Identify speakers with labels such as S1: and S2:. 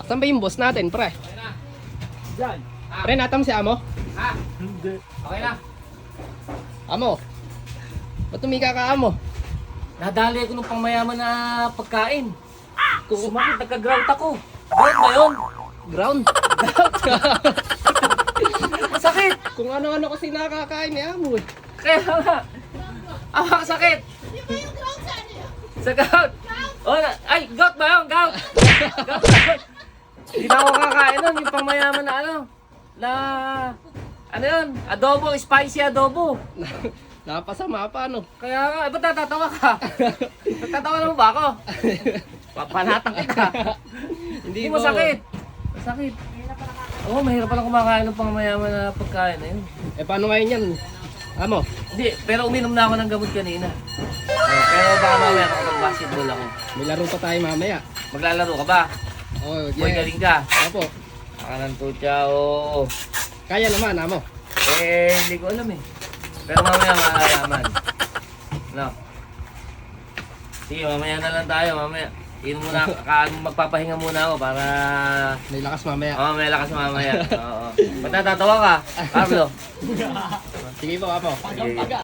S1: Saan ba yung boss natin, pre?
S2: Diyan.
S1: Pre, natam si Amo?
S3: Ha?
S2: Hindi.
S3: Okay na.
S1: Amo? Ba't tumika ka, Amo?
S3: Nadali ako ng pangmayaman na pagkain. Kung sumakit, nagka-ground ako. Ground ba yun?
S1: Ground?
S3: Masakit!
S1: Kung ano-ano kasi nakakain ni Amo eh.
S3: Kaya nga. Ah, sakit! Sa gout! Oh, ay, gout ba yun? Gout! Gout! Hindi na ako kakain nun, yung pangmayaman na ano. Na, ano yun? Adobo, spicy adobo.
S1: Napasama pa, ano?
S3: Kaya nga, ba't natatawa ka? Natatawa na mo ba ako? Papanatang kita. Hindi
S1: Hindi
S3: masakit. Masakit. Oo, mahirap pala kumakain ng pangmayaman na pagkain na yun.
S1: Eh, paano ngayon yan? Amo?
S3: Hindi, pero uminom na ako ng gamot kanina. Pero baka mamaya makapag-basketball ako.
S1: May laro pa tayo mamaya.
S3: Maglalaro ka ba?
S1: Oh,
S3: Boy, galing ka.
S1: Opo.
S3: Baka ng tutya, oo.
S1: Kaya naman, Amo.
S3: Eh, hindi ko alam eh. Pero mamaya makakalaman. No? Sige, mamaya na lang tayo, mamaya. Inom muna, magpapahinga muna ako para...
S1: May lakas mamaya.
S3: Oo, may lakas mamaya. Oo. Ba't natatawa ka, Carlo?
S1: Sige po, Apo.
S3: Sige.